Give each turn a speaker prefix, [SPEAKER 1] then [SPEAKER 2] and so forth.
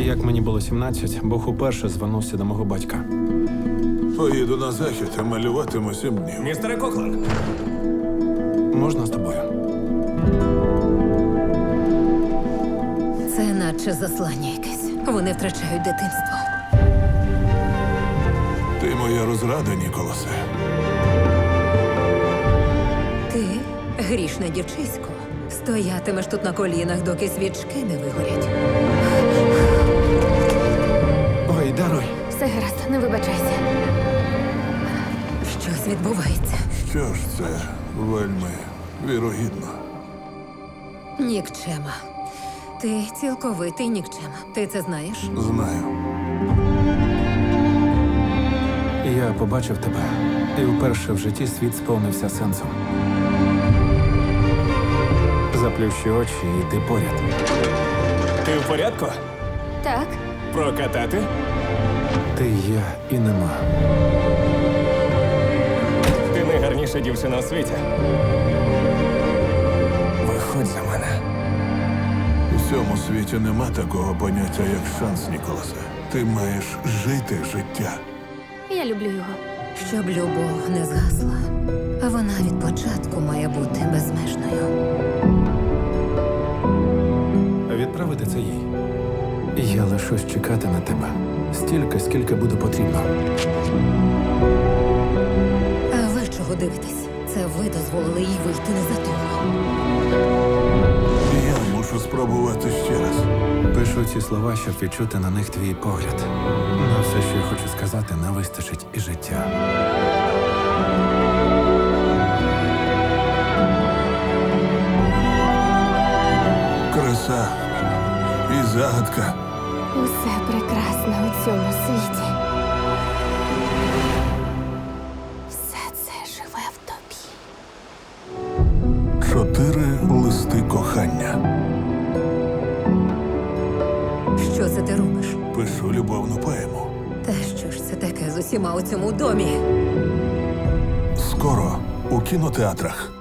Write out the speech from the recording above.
[SPEAKER 1] Як мені було 17, Бог уперше звернувся до мого батька.
[SPEAKER 2] Поїду на захід, а малюватиму 7 днів.
[SPEAKER 3] Містере Кокланд,
[SPEAKER 1] Можна з тобою?
[SPEAKER 4] Це наче заслання якесь. Вони втрачають дитинство.
[SPEAKER 2] Ти моя розрада, Ніколасе.
[SPEAKER 4] Ти, грішне дівчисько, стоятимеш тут на колінах, доки свічки не вигорять.
[SPEAKER 1] Ой, даруй.
[SPEAKER 5] Все гаразд, не вибачайся.
[SPEAKER 4] Щось відбувається.
[SPEAKER 2] Що ж це вельми вірогідно.
[SPEAKER 4] Нікчема. Ти цілковитий нікчема. Ти це знаєш?
[SPEAKER 2] Знаю.
[SPEAKER 1] Я побачив тебе, і вперше в житті світ сповнився сенсом. Заплющи очі, і ти поряд.
[SPEAKER 3] ти в порядку?
[SPEAKER 5] Так,
[SPEAKER 3] Прокатати?
[SPEAKER 1] Ти є і нема.
[SPEAKER 3] Ти найгарніша дівчина у світі. Виходь за мене.
[SPEAKER 2] У цьому світі нема такого поняття, як шанс, Ніколасе. Ти маєш жити життя.
[SPEAKER 5] я люблю його.
[SPEAKER 4] Щоб любов не згасла, а вона від початку має бути безмежною.
[SPEAKER 1] Відправити це їй. Я лишусь чекати на тебе. Стільки, скільки буде потрібно.
[SPEAKER 4] А ви чого дивитесь? Це ви дозволили їй вийти не за того.
[SPEAKER 2] Я мушу спробувати ще раз.
[SPEAKER 1] Пишу ці слова, щоб відчути на них твій погляд. На все, що я хочу сказати, не вистачить і життя.
[SPEAKER 2] Краса і загадка.
[SPEAKER 5] Усе прекрасне у цьому світі. Все це живе в тобі.
[SPEAKER 2] 4 листи кохання.
[SPEAKER 4] Що це ти робиш?
[SPEAKER 2] Пишу любовну поему.
[SPEAKER 4] Та що ж це таке з усіма у цьому домі?
[SPEAKER 2] Скоро у кінотеатрах.